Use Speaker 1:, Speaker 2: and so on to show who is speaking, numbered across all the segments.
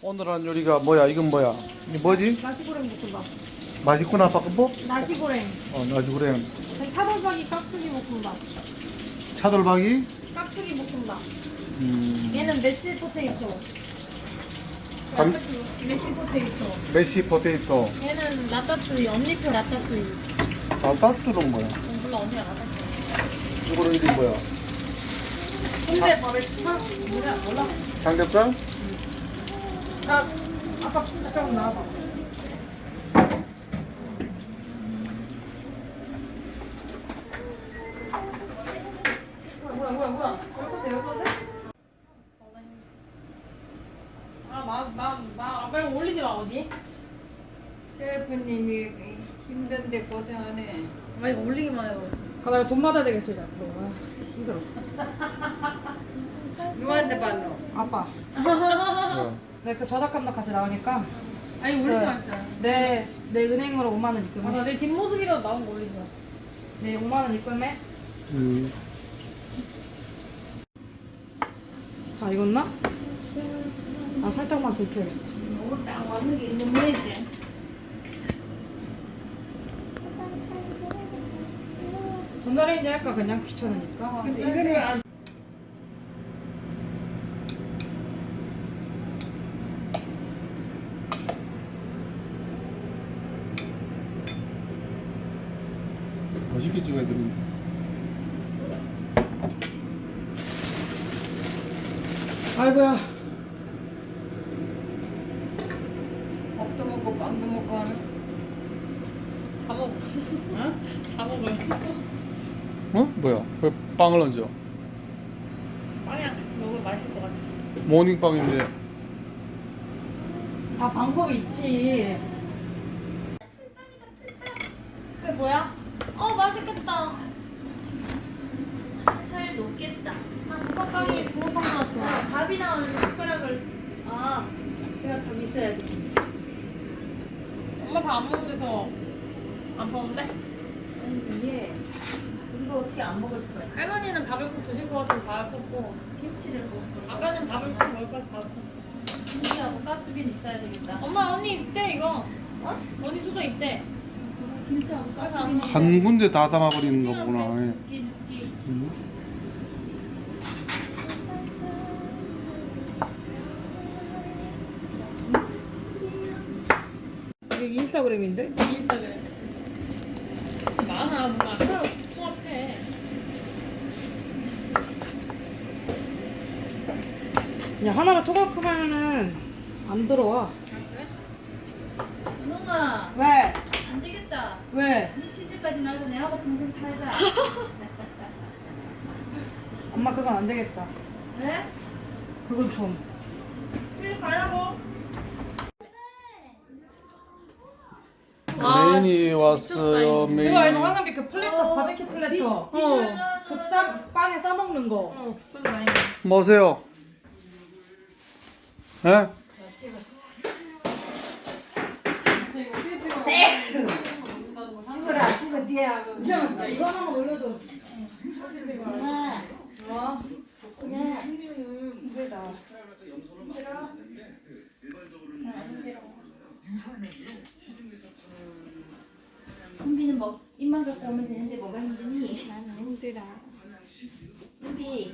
Speaker 1: 오늘 한 요리가 뭐야? 이건 뭐야? 이게 뭐지?
Speaker 2: 나시고랭 볶음밥.
Speaker 1: 맛있구나 볶음밥?
Speaker 2: 나시고랭.
Speaker 1: 나시고랭.
Speaker 2: 차돌박이 깍두기 볶음밥.
Speaker 1: 차돌박이?
Speaker 2: 깍두기 볶음밥. 얘는 메시 포테이토.
Speaker 1: 감-
Speaker 2: 메시 포테이토.
Speaker 1: 메시 포테이토.
Speaker 2: 얘는 라따뚜이. 언니표 라따뚜이.
Speaker 1: 따뚜는 뭐야?
Speaker 2: 몰라 언니가 라따뚜이.
Speaker 1: 이거는 이게 뭐야?
Speaker 2: 근데 밥에 뭐야 몰라.
Speaker 1: 삼겹살?
Speaker 2: 아까 잠깐 나와봐. 뭐야. 여기서 돼? 빨리 올리지 마, 어디?
Speaker 3: 셰프님이 힘든데 고생하네.
Speaker 2: 이거 올리기만 해요. 나 돈 받아야 되겠어, 이제 앞으로. 힘들어.
Speaker 3: 누구한테 받노?
Speaker 2: 아빠.
Speaker 1: 어.
Speaker 2: 네, 그 저작권도 같이 나오니까.
Speaker 4: 아니 올리지 마 진짜.
Speaker 2: 내 은행으로 5만 원 입금해.
Speaker 4: 내 뒷모습이라도 나온 거 올리지 마.
Speaker 2: 내 5만 원 입금해. 다 익었나? 살짝만 더 익혀야겠다.
Speaker 3: 너무 딱 왔는 게 있는 모양이지.
Speaker 2: 전자레인지 할까 그냥 귀찮으니까.
Speaker 3: 근데 이거는 안
Speaker 1: 멋있게 찍어야 되는데.
Speaker 2: 아이고야.
Speaker 3: 밥도 먹고 빵도 먹고 하는.
Speaker 4: 다 먹어.
Speaker 3: 어?
Speaker 4: 다 먹어요.
Speaker 1: 어? 뭐야? 왜 빵을 얹어?
Speaker 4: 빵이랑 같이 먹으면 맛있을 것 같아서.
Speaker 1: 모닝빵인데.
Speaker 2: 다 방법이 있지.
Speaker 4: 그게 뭐야? 맛있겠다. 살 녹겠다. 붕어빵이 붕어빵보다 좋아. 밥이 나오는 숟가락을 내가 밥 있어야 돼. 엄마 밥 안 먹는데서 안 먹는데?
Speaker 5: 아니 이게 이거 어떻게 안 먹을 수가 있어?
Speaker 4: 할머니는 밥을 꼭 드실 것 같아서 밥을 꽂고
Speaker 5: 김치를 먹고
Speaker 4: 아까는 밥을 꼭 먹을 거라서 밥을 꽂았어.
Speaker 5: 김치하고 깍두기는 있어야 되겠다.
Speaker 4: 엄마 언니 있대 이거. 언니 수저 있대.
Speaker 5: 김치하고
Speaker 4: 안
Speaker 5: 깍두기는
Speaker 4: 먹어.
Speaker 1: 한 군데 다 담아버리는 거구나. 예.
Speaker 2: 이게 인스타그램인데?
Speaker 4: 인스타그램. 많아 뭔가 하나로 통합해.
Speaker 2: 그냥 하나로 통합하면은 안 들어와.
Speaker 4: 그래?
Speaker 5: 누나
Speaker 2: 왜?
Speaker 5: 안 되겠다.
Speaker 2: 왜?
Speaker 5: 네 시집까지 말고 내하고 평생 살자.
Speaker 2: 엄마 그건 안 되겠다.
Speaker 5: 네?
Speaker 2: 그건 좀.
Speaker 5: 그래 가라고.
Speaker 1: 메인이 왔어요. 메인.
Speaker 2: 그거 알죠? 황은비 그 플래터, 바베큐 플래터. 빵에 싸먹는 거.
Speaker 4: 좀 많이.
Speaker 1: 뭐세요? 예?
Speaker 3: 찍어라 찍어 뒤에 하고.
Speaker 2: 야, 이거 하나만 올려도.
Speaker 5: 누나.
Speaker 2: 어?
Speaker 5: 힘들다. 은비는 뭐 입만 갖고 오면 되는데 뭐가 힘드니?
Speaker 2: 나는 힘들어.
Speaker 5: 은비.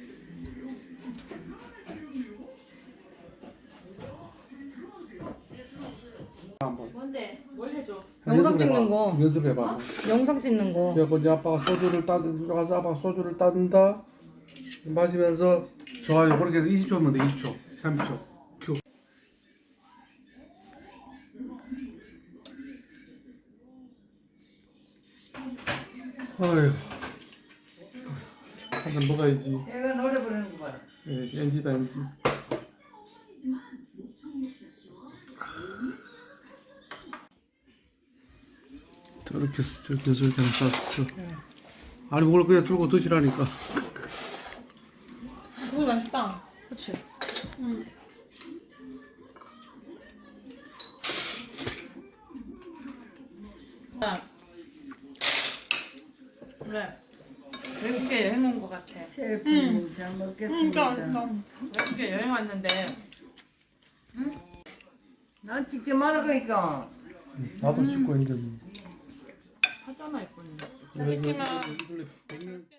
Speaker 1: 한번.
Speaker 5: 뭔데? 뭘 해줘?
Speaker 2: 영상 찍는 거.
Speaker 1: 연습해봐.
Speaker 2: 영상 찍는 거.
Speaker 1: 그래갖고 이제 아빠가 소주를 가서 아빠가 소주를 따른다. 마시면서 좋아요. 그렇게 해서 20초면 돼. 20초, 30초. 큐. 어휴. 한잔 먹어야지.
Speaker 3: 얘가 노래 부르는 거 봐라.
Speaker 1: 예, NG다, NG. 저렇게 쌌어. 아니, 그걸 그냥 들고 드시라니까.
Speaker 4: 그거 맛있다.
Speaker 2: 그치.
Speaker 4: 그래. 외국계 여행 온 것 같아.
Speaker 3: 셰프님 잘 먹겠습니다.
Speaker 4: 외국계 여행 왔는데
Speaker 3: 난 직접 말할 거니까.
Speaker 1: 나도 찍고 있는데 뭐.
Speaker 2: 하잖아 이쁜이.
Speaker 1: 이거 원래 100년